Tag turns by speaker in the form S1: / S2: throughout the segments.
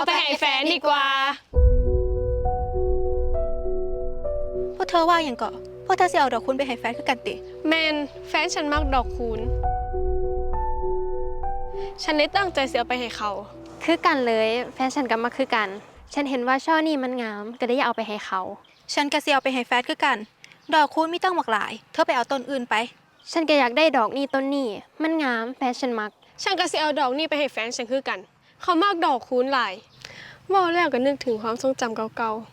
S1: ไปให้แฟนดีกว่า
S2: พวกเธอว่าอย่างก็พวกเธอสิเอาดอกคุณไปให้แฟนคือกันติ
S1: แมนแฟนฉันมักดอกคูณฉันได้ตั้งใจเสียไปให้เขา
S3: คือกันเลยแฟนฉันก็มาคือกันฉันเห็นว่าช่อนี่มันงามก็ได้อยากเอาไปให้เขา
S2: ฉันก็สิเอาไปให้แฟนคือกันดอกคุณมีตั้งหลากหลายเธอไปเอาต้นอื่นไป
S3: ฉันก็อยากได้ดอกนี่ต้นนี่มันงามแฟนฉันมัก
S1: ฉันก็สิเอาดอกนี่ไปให้แฟนฉันคือกันเขามากดอกคูณหลายว่าแล้วก็นึกถึงความทรงจำเก่า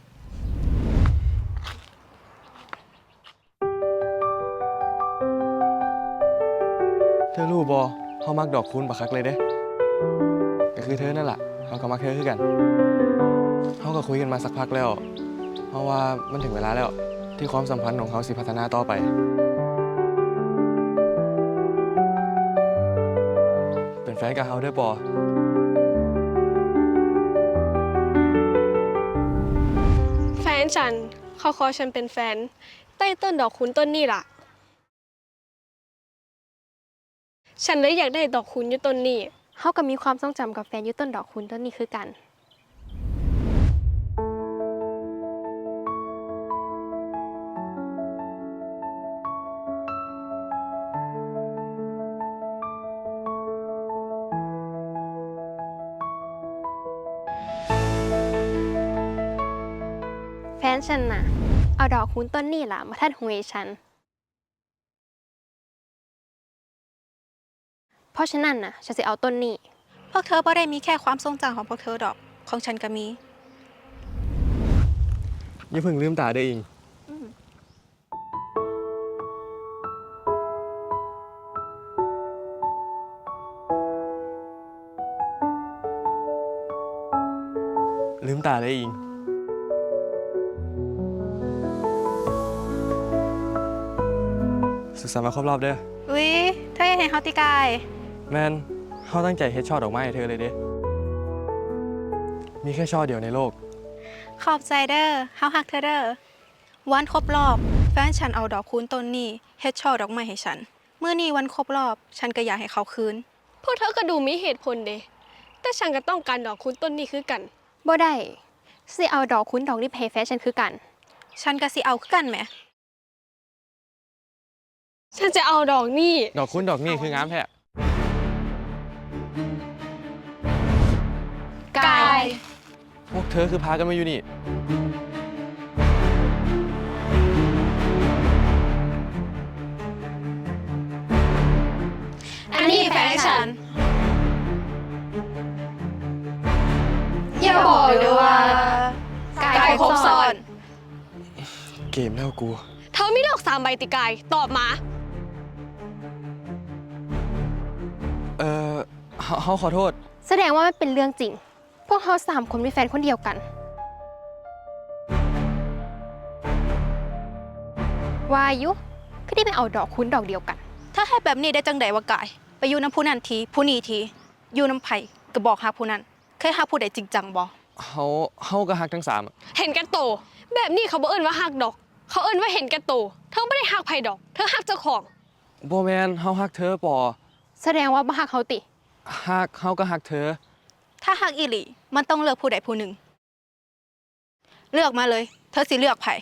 S4: เธอรู้บ่เขามักดอกคูณบักคักเลยเด้ก็คือเธอนั่นแหละเขาก็มักเธอคือกันเขาก็คุยกันมาสักพักแล้วเพราะว่ามันถึงเวลาแล้วที่ความสัมพันธ์ของเขาสิพัฒนาต่อไปเป็นแฟนกับเขาเด้อปอ
S1: ๆแฟนฉันเขาขอฉันเป็นแฟนใต้ต้นดอกคูณต้นนี่ล่ะฉันเลยอยากได้ดอกคูณอยู่ต้นนี้
S3: เฮาก็มีความทรงจำกับแฟนอยู่ต้นดอกคูณต้นนี้คือกันแฟนฉันน่ะเอาดอกคูณต้นนี่ล่ะมาทัดหวยฉันเพราะฉะนั้นน่ะฉันจะเอาต้นนี้
S2: พวกเธอบ่ได้มีแค่ความทรงจำของพวกเธอดอกของฉันก็มี
S4: อย่าเพิ่งลืมตาเด้ออิงลืมตาเด้ออิงสุขสันต์วันครบรอบเด้อ
S2: อุ๊ยเธออยากเห็นเฮาติกาย
S4: แมนเขาตั้งใจเฮ็ดช่อดอกไม้ให้เธอเลยเด้มีแค่ช่อเดียวในโลก
S2: ขอบใจเด้อเฮาฮักเธอเด้อวันครบรอบแฟนฉันเอาดอกคูณต้นนี้เฮ็ดช่อดอกไม้ให้ฉันเมื่อนี้วันครบรอบฉันก็อยากให้เขาคืน
S1: พวกเธอก็ดูมีเหตุผลเด้แต่ฉันก็ต้องการดอกคูณต้นนี้คือกัน
S3: บ่ได้สิเอาดอกคูณดอกนี้ไปให้แฟนฉันคือกัน
S2: ฉันก็สิเอาคือกันแหม
S1: ฉันจะเอาดอกนี่
S4: ดอกคูณดอกนี่คืองามแท้
S2: กาย
S4: พวกเธอคือพากันมาอยู่นี่
S2: อันนี้แฟนฉันอย่าบอกเลยว่ากายครบซ้อน
S4: เกมแล้วกู
S1: เธอมีดอก3 ใบติกายตอบมา
S4: เขาขอโทษ
S3: แสดงว่ามันเป็นเรื่องจริงพวกเขา3 คนมีแฟนคนเดียวกันวายุคือได้ไปเอาดอกคูณดอกเดียวกัน
S2: ถ้าให้แบบนี้ได้จังใดวะกายไปอยู่น้ำผู้นั้นทีผู้นี้ทีอยู่น้ำไผ่ก็บอกหาผู้นั้นเคยหาผู้ใดจริงจังบ่
S4: เขาก็ฮักทั้ง3
S1: เห็นแก่โตแบบนี้เขาบ่เอิ้นว่าฮักดอกเขาเอิ้นว่าเห็นแก่โตเธอไม่ได้ฮักไผ่ดอกเธอฮักเจ้าของ
S4: บ่แมนเขาฮักเธอปอ
S3: แสดงว่าบ่ฮักเขาติ
S4: ฮักเขาก็ฮักเธอ
S2: ถ้าฮักอีหลีมันต้องเลือกผู้ใดผู้หนึ่งเลือกมาเลยเธอสิเลือกไผ่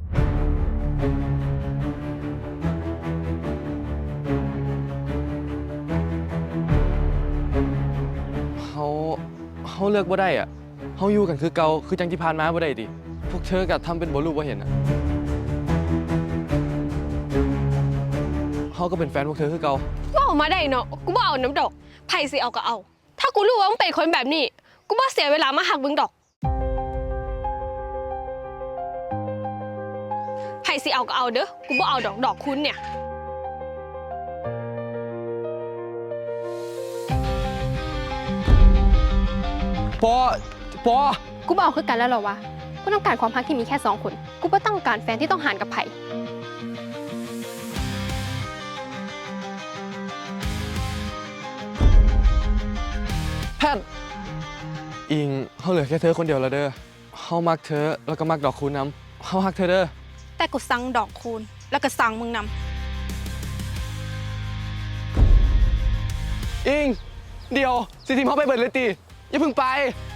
S4: เขาเลือกบ่ได้อ่ะเขาอยู่กันคือเก่าคือจังที่ผ่านมาบ่ได้ดิพวกเธอก็ทำเป็นบ่รู้บ่เห็นอ่ะเขาก็เป็นแฟนพวกเธอคือเก่า
S1: ว่าออกมาได้เนาะกูบ่เอาน้ำดอกไผ่สิเอาก็เอาถ้ากูรู้ว่ามึงเป็นคนแบบนี้กูบ่เสียเวลามาหักมึงดอกไผ่สิเอาก็เอาเด้อกูบ่เอาดอกคุณเนี่ย
S4: ปอ
S3: กูบ่เอาคือกันแล้วเหรอวะกูต้องการความรักที่มีแค่2 คนกูบ่ต้องการแฟนที่ต้องหารกับไผ่
S4: แพทอิงเขาเหลือแค่เธอคนเดียวแล้วเด้อเขามักเธอแล้วก็มักดอกคูณน้ำเขาฮักเธอเด้อ
S2: แต่กูสั่งดอกคูณแล้วก็สั่งมึงน
S4: ำอิงเดี๋ยวสิทีมเขาไปเบิดเลยตีอย่าเพิ่งไป